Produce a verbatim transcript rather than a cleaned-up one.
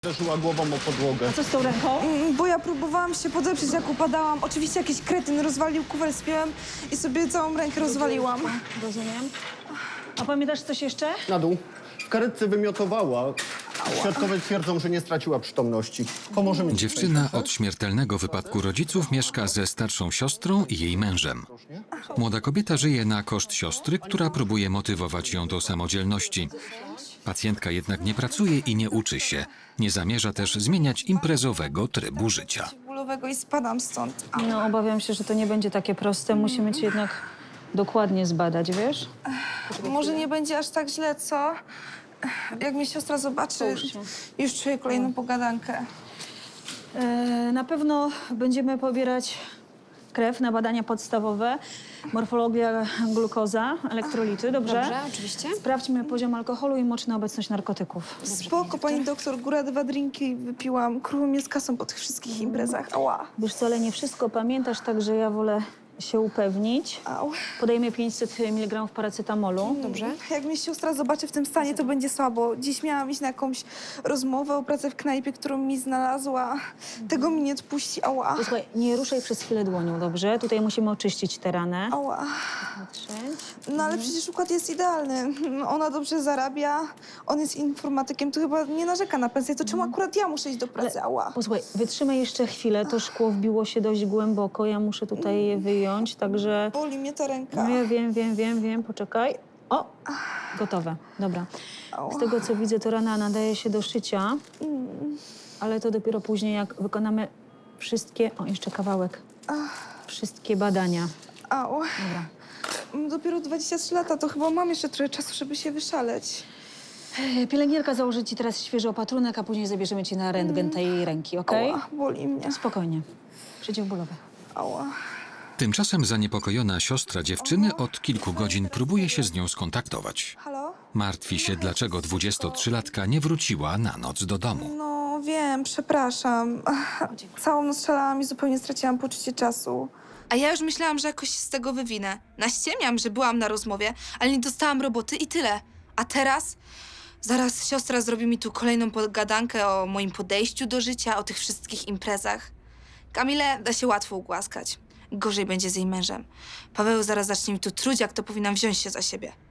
Uderzyła głową o podłogę. Co z tą ręką? Mm, Bo ja próbowałam się podeprzeć, jak upadałam. Oczywiście jakiś kretyn rozwalił kufer z piłem i sobie całą rękę rozwaliłam. Rozumiem. A pamiętasz coś jeszcze? Na dół. W karetce wymiotowała. Świadkowie twierdzą, że nie straciła przytomności. Pomożemy ci. Dziewczyna od śmiertelnego wypadku rodziców mieszka ze starszą siostrą i jej mężem. Młoda kobieta żyje na koszt siostry, która próbuje motywować ją do samodzielności. Pacjentka jednak nie pracuje i nie uczy się. Nie zamierza też zmieniać imprezowego trybu życia. Bólowego i spadam stąd. A, No, obawiam się, że to nie będzie takie proste. Musimy cię jednak dokładnie zbadać, wiesz? może nie będzie aż tak źle, co? Jak mnie siostra zobaczy, Połóż się. już czuję kolejną pogadankę. E, na pewno będziemy pobierać krew na badania podstawowe. Morfologia, glukoza, elektrolity, dobrze? Dobrze, oczywiście. Sprawdźmy poziom alkoholu i moczna obecność narkotyków. Spoko, pani doktor, góra dwa drinki wypiłam. Kruło mnie z kasą po tych wszystkich imprezach. Ała. Wiesz co, ale nie wszystko pamiętasz, także ja wolę się upewnić. Au. Podejmę pięćset miligramów paracetamolu. Dobrze. Jak mnie siostra zobaczy w tym stanie, to będzie słabo. Dziś miałam iść na jakąś rozmowę o pracę w knajpie, którą mi znalazła. Tego mi nie odpuści. Ała. Słuchaj, nie ruszaj przez chwilę dłonią, dobrze? Tutaj musimy oczyścić tę ranę. Ała. Patrzeć. No ale przecież układ jest idealny. Ona dobrze zarabia, on jest informatykiem, to chyba nie narzeka na pensję. To czemu akurat ja muszę iść do pracy? Ała. Posłuchaj, wytrzymaj jeszcze chwilę. To szkło wbiło się dość głęboko. Ja muszę tutaj je wyjąć, także... Boli mnie ta ręka. No ja wiem, wiem, wiem, wiem. Poczekaj. O! Gotowe. Dobra. Z tego, co widzę, to rana nadaje się do szycia. Ale to dopiero później, jak wykonamy wszystkie... O, jeszcze kawałek. Wszystkie badania. Au. Dobra. Mam dopiero dwadzieścia trzy lata, to chyba mam jeszcze trochę czasu, żeby się wyszaleć. E, Pielęgniarka założy ci teraz świeży opatrunek, a później zabierzemy cię na rentgen tej ręki, okej? Ała, boli mnie. Spokojnie. Przeciwbólowe. Ała. Tymczasem zaniepokojona siostra dziewczyny od kilku godzin próbuje się z nią skontaktować. Halo? Martwi się, dlaczego dwudziestotrzylatka nie wróciła na noc do domu. No wiem, przepraszam. Ach, Całą noc szalałam i zupełnie straciłam poczucie czasu. A ja już myślałam, że jakoś się z tego wywinę. Naściemiam, że byłam na rozmowie, ale nie dostałam roboty i tyle. A teraz? Zaraz siostra zrobi mi tu kolejną pogadankę o moim podejściu do życia, o tych wszystkich imprezach. Kamilę da się łatwo ugłaskać. Gorzej będzie z jej mężem. Paweł zaraz zacznie mi tu truć, jak to powinnam wziąć się za siebie.